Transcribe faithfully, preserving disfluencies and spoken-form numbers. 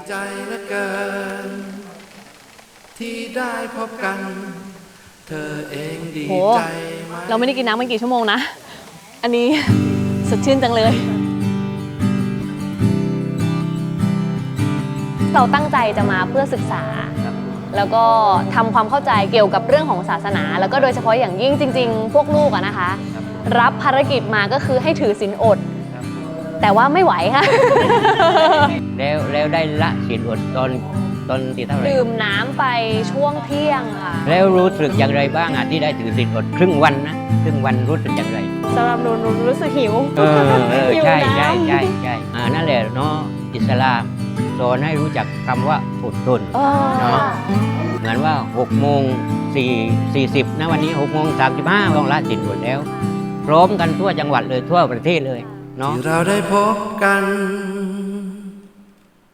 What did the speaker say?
ใจเหลือเกินที่ได้พบกันเธอเองดีโหใจไหมเราไม่ได้กินน้ำมันกี่ชั่วโมงนะ อันนี้ สดชื่นจังเลย เราตั้งใจจะมาเพื่อศึกษา แล้วก็ทำความเข้าใจเกี่ยวกับเรื่องของศาสนา แล้วก็โดยเฉพาะอย่างยิ่งจริงๆ พวกลูกอะนะคะ รับภารกิจมาก็คือให้ถือศีลอด แต่ว่าไม่ไหวค่ะแล้วแล้วได้ละศีลอดตอนตอนที่เท่าไหร่ดื่มน้ำไปช่วงเที่ยงค่ะแล้วรู้สึกอย่างไรบ้างอ่ะที่ได้ถือศีลอดครึ่งวันนะครึ่งวันรู้สึกอย่างไรสำหรับหนูหนูรู้สึกหิวเออเออหิวใช่น้ำใช่ใช่ใช่อ่านั่นแหละเนาะอิสลามสอนให้รู้จักคำว่าอดทนเออเนาะ เหมือนว่าหกโมงสี่สิบนะวันนี้หกโมงสามสิบห้าต้องละศีลอดแล้ว พร้อมกันทั่วจังหวัดเลยทั่วประเทศเลยเนาะที่เราได้พบกัน